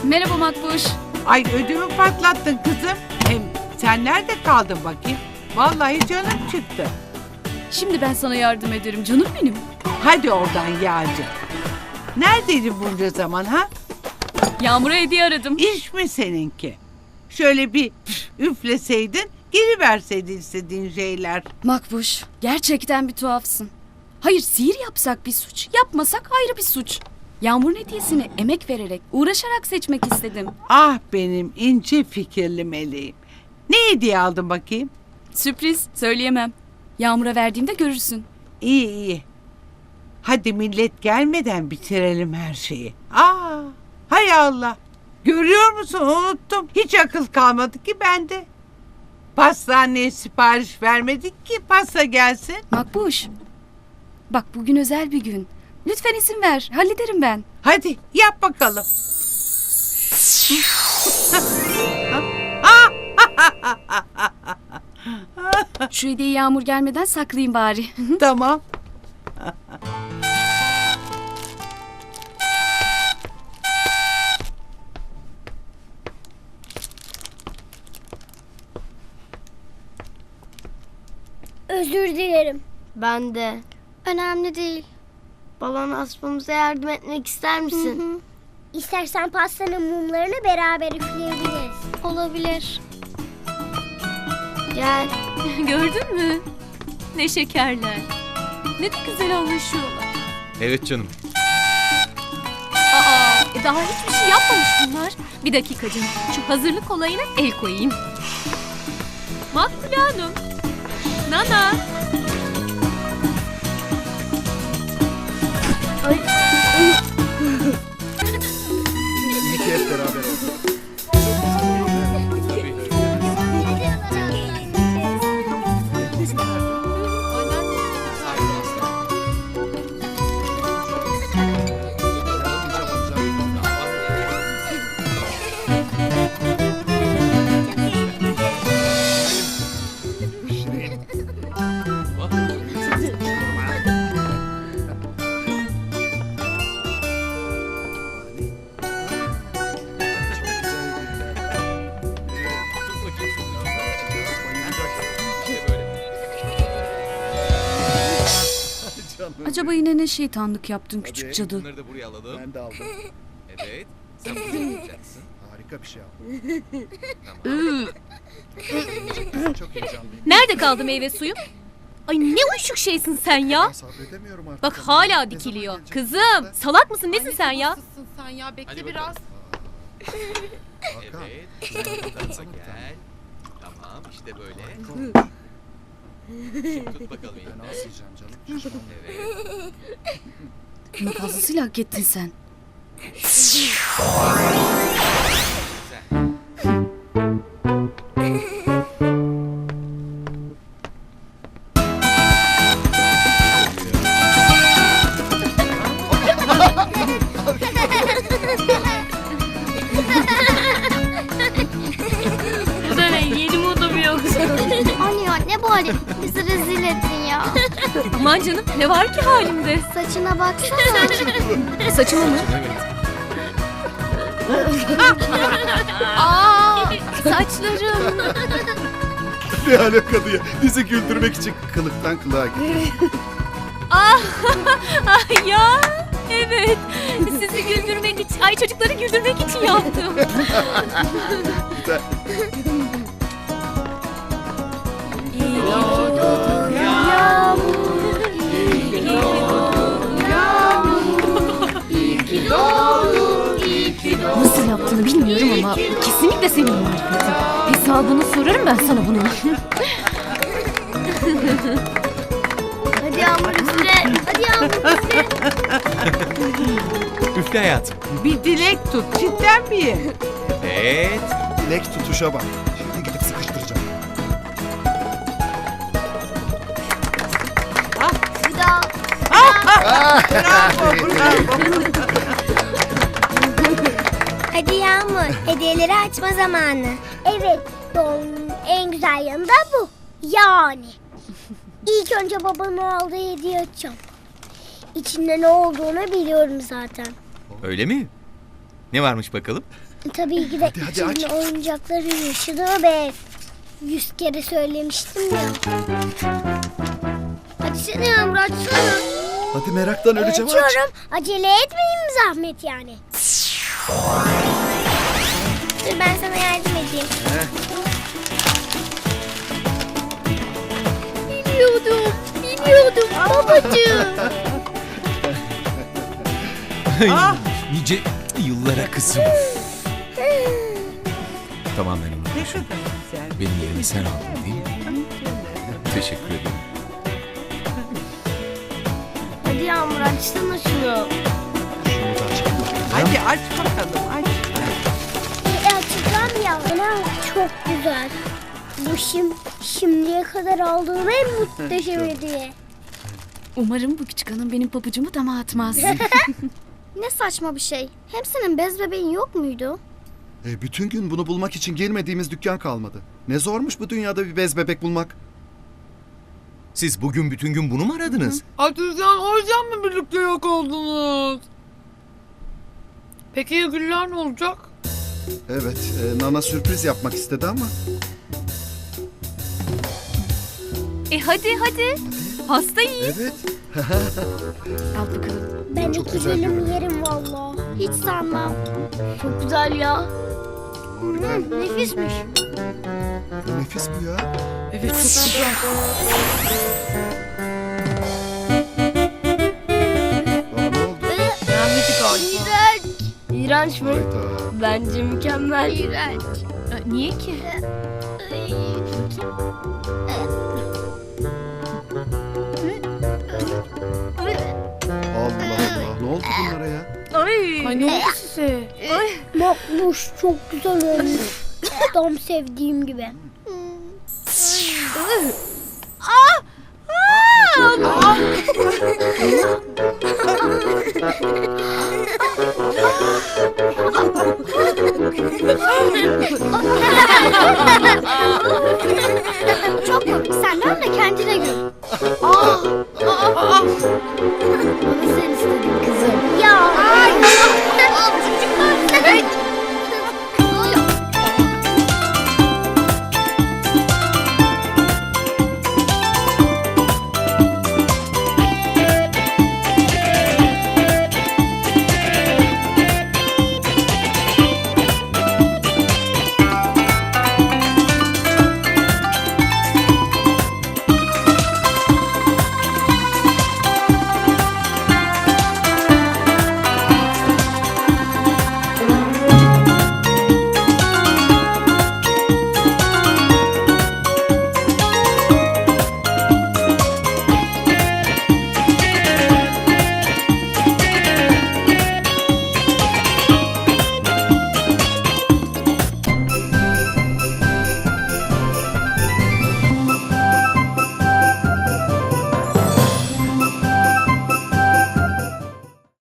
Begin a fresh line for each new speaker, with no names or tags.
Merhaba Makbuş.
Ay ödümü patlattın kızım. Hem sen nerede kaldın bakayım? Vallahi canım çıktı.
Şimdi ben sana yardım ederim canım benim.
Hadi oradan Yağcı. Neredeydin bunca zaman ha?
Yağmur'a hediye aradım.
İş mi seninki? Şöyle bir üfleseydin, geri verseydin istediğin şeyler.
Makbuş, gerçekten bir tuhafsın. Hayır, sihir yapsak bir suç, yapmasak ayrı bir suç. Yağmur'un hediyesini emek vererek, uğraşarak seçmek istedim.
Ah benim ince fikirli meleğim. Ne hediye aldın bakayım?
Sürpriz, söyleyemem. Yağmur'a verdiğimde görürsün.
İyi iyi. Hadi millet gelmeden bitirelim her şeyi. Hay Allah. Görüyor musun, unuttum. Hiç akıl kalmadı ki bende. Pastaneye sipariş vermedik ki pasta gelsin.
Makbuş, bak bugün özel bir gün. Lütfen izin ver, hallederim ben.
Hadi yap bakalım.
Şu hediyeyi Yağmur gelmeden saklayayım bari.
Tamam.
Özür dilerim.
Ben de.
Önemli değil.
Balon asmamıza yardım etmek ister misin?
İstersen pastanın mumlarını beraber üfleyebiliriz.
Olabilir. Gel.
Gördün mü? Ne şekerler. Ne de güzel anlaşıyorlar.
Evet canım.
Daha hiçbir şey yapmamış bunlar. Bir dakika canım. Şu hazırlık olayına el koyayım. Makbule Hanım. Nana.
İyi ki hep beraber olduk.
Acaba yine ne şeytanlık yaptın küçük
Hadi.
cadı?
Bunları da buraya alalım.
Ben de aldım.
Evet. Sen bunu yapacaksın.
Harika bir şey aldım. Çok heyecanlıyım.
Nerede kaldı meyve suyu? Ay ne uyuşuk şeysin sen ya.
Ben sabredemiyorum artık.
Bak
Ne
hala
zaman
dikiliyor.
gelecek?
Kızım salak mısın nesin sen ya?
Nasılsın sen ya? Bekle
Hadi
biraz.
bakalım.
Hakan.
Evet. Sen bu tarafa gel. Tamam işte böyle. Şimdi tut bakalım
Ben
elinden.
az yiyeceğim canım.
Evet.
Bunu fazlasıyla hak ettin sen.
Güzel.
Bu da ne? Yeni moda mu yoksa?
Anne ya ne bu halin? Bizi rezil ettin ya.
Aman canım ne var ki halimde?
Saçına baksana.
Saçımı mı?
Aa saçlarım.
Ne alaka diye. Bizi güldürmek için kılıktan kılığa gitti.
Ay ya evet sizi güldürmek için ay çocukları güldürmek için yaptım.
Güzel.
Nasıl yaptığını bilmiyorum ama kesinlikle senin marifetin. Hesabını sorarım ben sana bunun.
Hadi Yağmur üfle.
Hadi yavrum üfle.
Üfle hayatım.
Bir dilek tut. Cidden miyim?
Evet.
Dilek tutuşa bak. Şimdi gidip sıkıştıracağım.
Bir daha.
Bravo, bravo.
Hadi Yağmur, hediyeleri açma zamanı. Evet, doğum gününün en güzel yanı da bu. Yani. İlk önce babamın aldığı hediye açacağım. İçinde ne olduğunu biliyorum zaten.
Öyle mi? Ne varmış bakalım?
Tabii ki de
Hadi, hadi,
içinde
aç.
oyuncakların yaşadığı bir ev. 100 kere söylemiştim ya.
Açsana Yağmur açsana.
Hadi meraktan öleceğim aç.
Açıyorum. Acele etmeyin zahmet yani. Dur ben sana yardım edeyim.
Biliyordum babacığım.
Ah!
Nice yıllara kızım. Tamam ben onu.
Ne kadar güzel.
Benim yerimi sen aldın değil mi? Teşekkür ederim.
Hadi Yağmur açsana şunu.
Şunu da açalım.
Hadi aç bakalım aç.
Açacağım ya. Ana çok güzel. Bu şimdiye kadar aldığım en muhteşem hediye.
Umarım bu küçük hanım benim pabucumu dama atmaz.
Ne saçma bir şey. Hem senin bez bebeğin yok muydu?
Bütün gün bunu bulmak için girmediğimiz dükkan kalmadı. Ne zormuş bu dünyada bir bez bebek bulmak.
Siz bugün bütün gün bunu mu aradınız?
Atürcan o yüzden mi birlikte yok oldunuz? Peki ya Güller ne olacak?
Evet, Nana sürpriz yapmak istedi ama.
Hadi. Pasta yiyin.
Evet.
Al bakalım.
Ben
Çok
iki
güzel
dilim
görünüyor.
yerim valla. Hiç sanmam.
Çok güzel ya.
Harika.
Nefismiş.
Nefis bu ya.
Evet çok güzel.
Aa, ne oldu?
Beğenmedi galiba.
İğrenç. İğrenç mi?
Hayda.
Bence mükemmel. İğrenç.
Niye ki?
Allah Allah. Ne oldu bunlara ya?
Ay ne oldu size?
Makbuş çok güzel olmuş. Tam sevdiğim gibi. Çok komik. Sen de kendine gül.